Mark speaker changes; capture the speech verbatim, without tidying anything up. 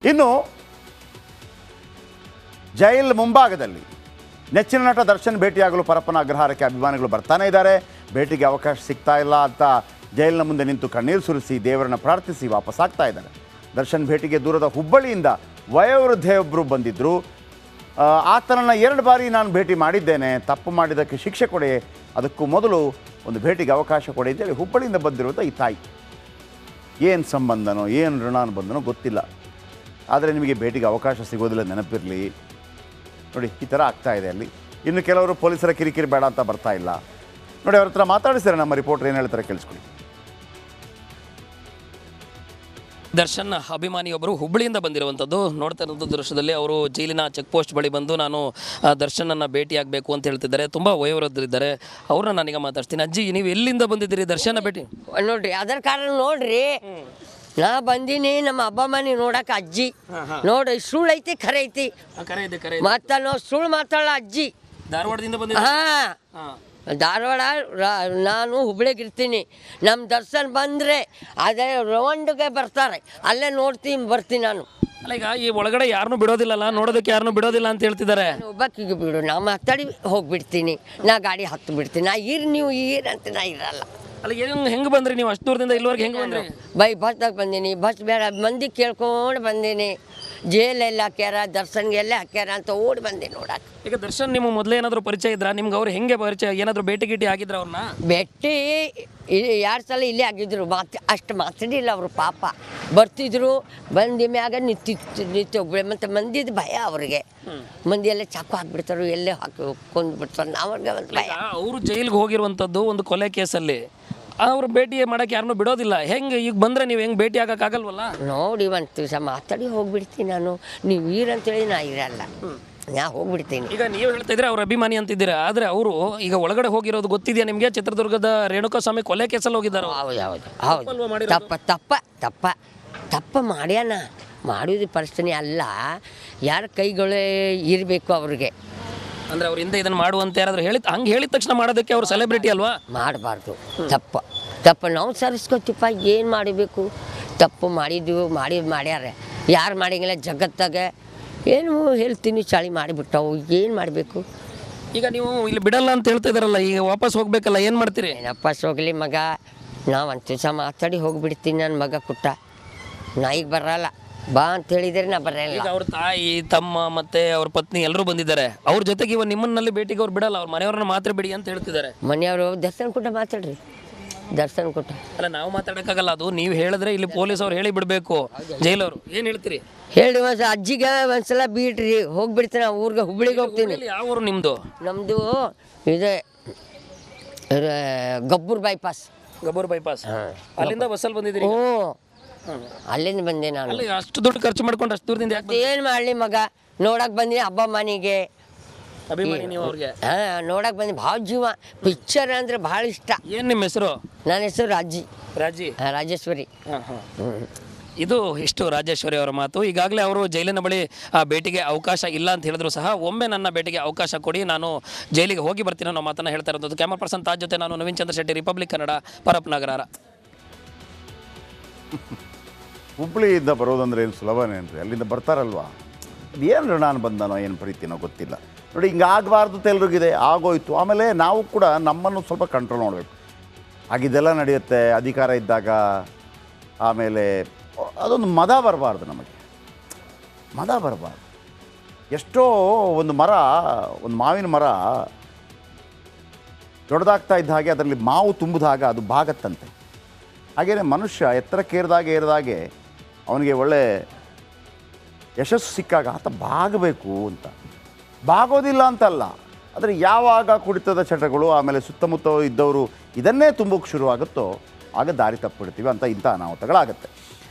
Speaker 1: ಇನ್ನು ಜೈಲ್ ಮುಂಭಾಗದಲ್ಲಿ ನೆಚ್ಚಿನ ನಟ ದರ್ಶನ್ ಭೇಟಿಯಾಗಲು ಪರಪ್ಪನ ಅಗ್ರಹಾರಕ್ಕೆ ಅಭಿಮಾನಿಗಳು ಬರ್ತಾನೆ ಇದ್ದಾರೆ. ಭೇಟಿಗೆ ಅವಕಾಶ ಸಿಗ್ತಾ ಇಲ್ಲ ಅಂತ ಜೈಲಿನ ಮುಂದೆ ನಿಂತು ಕಣ್ಣೀರು ಸುರಿಸಿ ದೇವರನ್ನ ಪ್ರಾರ್ಥಿಸಿ ವಾಪಸ್ ಆಗ್ತಾ ಇದ್ದಾರೆ. ದರ್ಶನ್ ಭೇಟಿಗೆ ದೂರದ ಹುಬ್ಬಳ್ಳಿಯಿಂದ ವಯೋವೃದ್ಧೆಯೊಬ್ಬರು ಬಂದಿದ್ದರು. ಆತನನ್ನು ಎರಡು ಬಾರಿ ನಾನು ಭೇಟಿ ಮಾಡಿದ್ದೇನೆ, ತಪ್ಪು ಮಾಡಿದ್ದಕ್ಕೆ ಶಿಕ್ಷೆ ಕೊಡಿ, ಅದಕ್ಕೂ ಮೊದಲು ಒಂದು ಭೇಟಿಗೆ ಅವಕಾಶ ಕೊಡಿ ಅಂತೇಳಿ ಹುಬ್ಬಳ್ಳಿಯಿಂದ ಬಂದಿರುವಂಥ ಈ ತಾಯಿ. ಏನು ಸಂಬಂಧನೋ ಏನು ಋಣಾನುಬಂಧನೋ ಗೊತ್ತಿಲ್ಲ, ಆದರೆ ನಿಮಗೆ ಭೇಟಿಗೆ ಅವಕಾಶ ಸಿಗೋದಿಲ್ಲ, ನೆನಪಿರಲಿ. ನೋಡಿ, ಈ ಥರ ಆಗ್ತಾ ಇದೆ ಅಲ್ಲಿ. ಇನ್ನು ಕೆಲವರು ಪೊಲೀಸರ ಕಿರಿಕಿರಿ ಬೇಡ ಅಂತ ಬರ್ತಾ ಇಲ್ಲ. ನೋಡಿ, ಅವ್ರ ಹತ್ರ ಮಾತಾಡಿಸ್ತಾರೆ ನಮ್ಮ ರಿಪೋರ್ಟರ್, ಏನು ಹೇಳ್ತಾರೆ ಕೇಳಿಸ್ಕೊಳ್ಳಿ.
Speaker 2: ದರ್ಶನ್ ಅಭಿಮಾನಿಯೊಬ್ಬರು ಹುಬ್ಬಳ್ಳಿಯಿಂದ ಬಂದಿರುವಂಥದ್ದು. ನೋಡ್ತಾ ಇರೋದು ದೃಶ್ಯದಲ್ಲಿ ಅವರು ಜೈಲಿನ ಚೆಕ್ ಪೋಸ್ಟ್ ಬಳಿ ಬಂದು ನಾನು ದರ್ಶನನ್ನು ಭೇಟಿಯಾಗಬೇಕು ಅಂತ ಹೇಳ್ತಿದ್ದಾರೆ. ತುಂಬ ವಯೋವೃದ್ಧರಿದ್ದಾರೆ, ಅವ್ರನ್ನ ನಾನೀಗ ಮಾತಾಡ್ತೀನಿ. ಅಜ್ಜಿ, ನೀವು ಎಲ್ಲಿಂದ ಬಂದಿದ್ದೀರಿ ದರ್ಶನ ಭೇಟಿ?
Speaker 3: ನೋಡ್ರಿ, ಅದರ ಕಾರಣ ನೋಡ್ರಿ, ನಾ ಬಂದೀನಿ ನಮ್ಮ ಹಬ್ಬ ಮನೆ ನೋಡಕ್ಕೆ. ಅಜ್ಜಿ ನೋಡ್ರಿ, ಸುಳ್ಳು ಐತಿ ಖರೆ ಐತಿ, ಮತ್ತ ನಾವು ಸುಳ್ಳು ಮಾತಾಡ ಅಜ್ಜಿ.
Speaker 2: ಧಾರವಾಡದಿಂದ ಬಂದ?
Speaker 3: ಹಾಂ, ಧಾರವಾಡ. ನಾನು ಹುಬ್ಳಿಗೆ ಇರ್ತೀನಿ. ನಮ್ಮ ದರ್ಶನ್ ಬಂದರೆ ಅದೇ ರೌಂಡ್ಗೆ ಬರ್ತಾರೆ, ಅಲ್ಲೇ ನೋಡ್ತೀನಿ ಬರ್ತೀನಿ ನಾನು.
Speaker 2: ಅಲ್ಲ, ಈಗ ಈ ಒಳಗಡೆ ಯಾರನ್ನೂ ಬಿಡೋದಿಲ್ಲಲ್ಲ, ನೋಡೋದಕ್ಕೆ ಯಾರನ್ನೂ ಬಿಡೋದಿಲ್ಲ ಅಂತ ಹೇಳ್ತಿದ್ದಾರೆ.
Speaker 3: ಒಬ್ಬಕ್ಕಿಗೆ ಬಿಡು, ನಾ ಮಾತಾಡಿ ಹೋಗಿಬಿಡ್ತೀನಿ, ನಾ ಗಾಡಿ ಹತ್ತು ಬಿಡ್ತೀನಿ. ನಾ ಇರ್ ನೀವು ಇರ್ ಅಂತ ನಾ ಇರಲ್ಲ.
Speaker 2: ಅಲ್ಲ, ಹೆಂಗೆ ಹೆಂಗೆ ಬಂದ್ರಿ ನೀವು ಅಷ್ಟು ದೂರದಿಂದ ಇಲ್ಲಿವರೆಗೆ? ಹೆಂಗೆ ಬಂದ್ರಿ?
Speaker 3: ಬೈ ಬಸ್ದಾಗ ಬಂದೀನಿ, ಬಸ್ ಬೇಡ ಮಂದಿ ಕೇಳ್ಕೊಂಡು ಬಂದೀನಿ. ಜೈಲೆಲ್ಲ ಹಾಕ್ಯಾರ, ದರ್ಶನ್ಗೆ ಎಲ್ಲೇ ಹಾಕ್ಯಾರ ಅಂತ ಓಡಿ ಬಂದೆ ನೋಡಕ್ಕೆ.
Speaker 2: ಈಗ ದರ್ಶನ್ ನಿಮ್ಮ ಮೊದಲೇ ಏನಾದರೂ ಪರಿಚಯ ಇದ್ರಾ ನಿಮ್ಗೆ? ಅವ್ರು ಹೆಂಗೆ ಪರಿಚಯ? ಏನಾದರೂ ಭೇಟಿ ಗೀಟಿ ಆಗಿದ್ರ ಅವ್ರನ್ನ?
Speaker 3: ಭೇಟಿ ಎರಡು ಸಲ ಇಲ್ಲೇ ಆಗಿದ್ರು, ಮಾತು ಅಷ್ಟು ಮಾತಾಡಿಲ್ಲ ಅವರು. ಪಾಪ ಬರ್ತಿದ್ರು, ಬಂದ ಮ್ಯಾಗ ನಿಂತಿತ್ತು ನಿಂತು ಒಬ್ಬಳೆ. ಮತ್ತು ಮಂದಿದ ಭಯ ಅವ್ರಿಗೆ, ಮಂದಿ ಎಲ್ಲ ಚಾಕು ಹಾಕ್ಬಿಡ್ತಾರೆ, ಎಲ್ಲೇ ಹಾಕಿ ಕೊಂದು ಬಿಡ್ತಾರೆ. ಅವ್ರಿಗೆ ಒಂದು ಭಯ.
Speaker 2: ಅವರು ಜೈಲಿಗೆ ಹೋಗಿರುವಂಥದ್ದು ಒಂದು ಕೊಲೆ ಕೇಸಲ್ಲಿ, ಅವ್ರು ಭೇಟಿ ಮಾಡೋಕ್ಕೆ ಯಾರನ್ನೂ ಬಿಡೋದಿಲ್ಲ. ಹೆಂಗೆ ಈಗ ಬಂದರೆ ನೀವು ಹೆಂಗೆ ಭೇಟಿ ಆಗೋಕ್ಕಾಗಲ್ವಲ್ಲ?
Speaker 3: ನೋಡಿ, ಒಂದು ದಿವಸ ಮಾತಾಡಿ ಹೋಗ್ಬಿಡ್ತೀನಿ ನಾನು. ನೀವು ಈರಂತೇಳಿ ನಾ ಇರಲ್ಲ, ನಾ ಹೋಗ್ಬಿಡ್ತೀನಿ.
Speaker 2: ಈಗ ನೀವು ಹೇಳ್ತಾ ಇದ್ರೆ ಅವ್ರ ಅಭಿಮಾನಿ ಅಂತಿದ್ದೀರಾ, ಆದರೆ ಅವರು ಈಗ ಒಳಗಡೆ ಹೋಗಿರೋದು ಗೊತ್ತಿದೆಯಾ ನಿಮಗೆ? ಚಿತ್ರದುರ್ಗದ ರೇಣುಕಾ ಸ್ವಾಮಿ ಕೊಲೆ ಕೇಸಲ್ಲಿ ಹೋಗಿದ್ದಾರೆ.
Speaker 3: ಹೌದು ಹೌದು ಹೌದು. ತಪ್ಪ ತಪ್ಪ ತಪ್ಪ ತಪ್ಪ ಮಾಡ್ಯಾನ. ಮಾಡೋದು ಪರಿಸ್ಥಿತಿ ಅಲ್ಲ, ಯಾರ ಕೈಗಳೇ ಇರಬೇಕು ಅವ್ರಿಗೆ.
Speaker 2: ಅಂದರೆ ಅವ್ರ ಹಿಂದೆ ಇದನ್ನು ಮಾಡುವಂತ ಯಾರಾದರೂ ಹೇಳಿ ಹಂಗೆ ಹೇಳಿದ ತಕ್ಷಣ ಮಾಡೋದಕ್ಕೆ ಅವ್ರು ಸೆಲೆಬ್ರಿಟಿ ಅಲ್ವಾ?
Speaker 3: ಮಾಡಬಾರ್ದು. ತಪ್ಪ ತಪ್ಪ ನಾವು ಸರಿಸ್ಕೊತೀಪ್ಪ. ಏನು ಮಾಡಬೇಕು? ತಪ್ಪು ಮಾಡಿದ್ವು, ಮಾಡಿ ಮಾಡ್ಯಾರ. ಯಾರು ಮಾಡಿಂಗಿಲ್ಲ ಜಗತ್ತಾಗ. ಏನು ಹೇಳ್ತೀನಿ, ಚಳಿ ಮಾಡಿಬಿಟ್ಟವು, ಏನು ಮಾಡಬೇಕು?
Speaker 2: ಈಗ ನೀವು ಇಲ್ಲಿ ಬಿಡಲ್ಲ ಅಂತ ಹೇಳ್ತಾ ಇದ್ದಾರಲ್ಲ, ಈಗ ವಾಪಸ್ ಹೋಗ್ಬೇಕಲ್ಲ, ಏನು ಮಾಡ್ತೀರಿ?
Speaker 3: ವಾಪಸ್ ಹೋಗಲಿ ಮಗ, ನಾವು ಒಂದು ದಿವಸ ಮಾತಾಡಿ ಹೋಗಿಬಿಡ್ತೀನಿ. ನನ್ನ ಮಗ ಕುಟ್ಟ, ನಾ ಈಗ ಬರಲ್ಲ ಬಾ ಅಂತ ಹೇಳಿದರೆ ನಾ ಬರಲ್ಲ.
Speaker 2: ಈಗ ಅವ್ರ ತಾಯಿ, ತಮ್ಮ ಮತ್ತೆ ಅವ್ರ ಪತ್ನಿ ಎಲ್ಲರೂ ಬಂದಿದ್ದಾರೆ. ಅವ್ರ ಜೊತೆಗೆ ಇವ ನಿಮ್ಮನ್ನಲ್ಲಿ ಭೇಟಿಗೆ ಅವ್ರು ಬಿಡಲ್ಲ, ಅವ್ರ ಮನೆಯವ್ರನ್ನ ಮಾತ್ರ ಬಿಡಿ ಅಂತ ಹೇಳ್ತಿದ್ದಾರೆ.
Speaker 3: ಮನೆಯವರು ದರ್ಶನ್ ಕುಟ್ಟ ಮಾತಾಡ್ರಿ, ದರ್ಶನ್ ಕುಟ್ಟ.
Speaker 2: ಅಲ್ಲ, ನಾವು ಮಾತಾಡೋಕ್ಕಾಗಲ್ಲ, ಅದು ನೀವು ಹೇಳಿದ್ರೆ ಇಲ್ಲಿ ಪೊಲೀಸ್ ಅವ್ರು ಹೇಳಿ ಬಿಡಬೇಕು, ಜೈಲವರು. ಏನು ಹೇಳ್ತೀರಿ?
Speaker 3: ಹೇಳಿ ಒಂದು ಅಜ್ಜಿಗೆ ಒಂದ್ಸಲ ಬಿಡ್ರಿ, ಹೋಗ್ಬಿಡ್ತೀನಿ ಊರಿಗೆ, ಹುಬ್ಳಿಗೆ ಹೋಗ್ತೀನಿ.
Speaker 2: ಯಾವ ಊರು ನಿಮ್ಮದು?
Speaker 3: ನಮ್ಮದು ಇದೆ ಗಬ್ಬೂರ್ ಬೈಪಾಸ್.
Speaker 2: ಗಬ್ಬೂರ್ ಬೈಪಾಸ್. ಅಲ್ಲಿಂದ ಬಸ್ಸಲ್ಲಿ ಬಂದಿದ್ದೀರಿ?
Speaker 3: ಹ್ಞೂ, ಅಲ್ಲಿಂದ ಬಂದೆ ನಾನು.
Speaker 2: ಅಲ್ಲಿ ಅಷ್ಟು ದುಡ್ಡು ಖರ್ಚು ಮಾಡ್ಕೊಂಡು ಅಷ್ಟು ದೂರದಿಂದ ಯಾಕೆ?
Speaker 3: ಏನು ಮಾಡಲಿ ಮಗ, ನೋಡಕ್ಕೆ ಬಂದಿನಿ ಹಬ್ಬ ಮನೆಗೆ.
Speaker 2: ಅಭಿಮಾನಿ ನೀವು ಅವ್ರಿಗೆ?
Speaker 3: ಹಾಂ, ನೋಡಕ್ಕೆ ಬಂದು ಭಾಳ ಜೀವ. ಪಿಕ್ಚರ್ ಅಂದರೆ ಭಾಳ ಇಷ್ಟ.
Speaker 2: ಏನು ನಿಮ್ಮ ಹೆಸರು?
Speaker 3: ನನ್ನ ಹೆಸರು ರಾಜಿ.
Speaker 2: ರಾಜಿ?
Speaker 3: ಹಾಂ, ರಾಜೇಶ್ವರಿ.
Speaker 2: ಹಾಂ ಹಾಂ. ಇದು ಇಷ್ಟು ರಾಜೇಶ್ವರಿ ಅವರ ಮಾತು. ಈಗಾಗಲೇ ಅವರು ಜೈಲಿನ ಬಳಿ ಆ ಭೇಟಿಗೆ ಅವಕಾಶ ಇಲ್ಲ ಅಂತ ಹೇಳಿದ್ರು ಸಹ, ಒಮ್ಮೆ ನನ್ನ ಭೇಟಿಗೆ ಅವಕಾಶ ಕೊಡಿ, ನಾನು ಜೈಲಿಗೆ ಹೋಗಿ ಬರ್ತೀನಿ ಅನ್ನೋ ಮಾತನ್ನು ಹೇಳ್ತಾ ಇರೋದು. ಕ್ಯಾಮರಾ ಪರ್ಸನ್ ತಾಜ್ ಜೊತೆ ನಾನು ನವೀನ್ ಚಂದ್ರ ಶೆಟ್ಟಿ, ರಿಪಬ್ಲಿಕ್ ಕನ್ನಡ, ಪರಪ್ಪನ ಅಗ್ರಹಾರ.
Speaker 1: ಹುಬ್ಬಳ್ಳಿಯಿಂದ ಬರೋದಂದ್ರೆ ಏನು ಸುಲಭನೇನ್ರಿ? ಅಲ್ಲಿಂದ ಬರ್ತಾರಲ್ವಾ, ಅದು ಏನು ಋಣಾನು ಬಂದನೋ ಏನು ಪ್ರೀತಿನೋ ಗೊತ್ತಿಲ್ಲ. ನೋಡಿ, ಹಿಂಗೆ ಆಗಬಾರ್ದು ಅಂತ ಎಲ್ರಿಗಿದೆ, ಆಗೋಯ್ತು. ಆಮೇಲೆ ನಾವು ಕೂಡ ನಮ್ಮನ್ನು ಸ್ವಲ್ಪ ಕಂಟ್ರೋಲ್ ಮಾಡಬೇಕು. ಆಗಿದ್ದೆಲ್ಲ ನಡೆಯುತ್ತೆ ಅಧಿಕಾರ ಇದ್ದಾಗ. ಆಮೇಲೆ ಅದೊಂದು ಮದ ಬರಬಾರ್ದು, ನಮಗೆ ಮದ ಬರಬಾರ್ದು. ಎಷ್ಟೋ ಒಂದು ಮರ, ಒಂದು ಮಾವಿನ ಮರ ದೊಡ್ಡದಾಗ್ತಾ ಇದ್ದ ಹಾಗೆ ಅದರಲ್ಲಿ ಮಾವು ತುಂಬಿದಾಗ ಅದು ಬಾಗತ್ತಂತೆ. ಹಾಗೆಯೇ ಮನುಷ್ಯ ಎತ್ತರಕ್ಕೇರಿದಾಗೆ ಏರಿದಾಗೆ ಅವನಿಗೆ ಒಳ್ಳೆ ಯಶಸ್ಸು ಸಿಕ್ಕಾಗ ಆತ ಬಾಗಬೇಕು ಅಂತ. ಬಾಗೋದಿಲ್ಲ ಅಂತಲ್ಲ, ಆದರೆ ಯಾವಾಗ ಕುಡಿತದ ಚಟಗಳು ಆಮೇಲೆ ಸುತ್ತಮುತ್ತ ಇದ್ದವರು ಇದನ್ನೇ ತುಂಬೋಕ್ಕೆ ಶುರುವಾಗುತ್ತೋ ಆಗ ದಾರಿ ತಪ್ಪಿಬಿಡ್ತೀವಿ ಅಂತ ಇಂಥ ಅನಾಹುತಗಳಾಗುತ್ತೆ.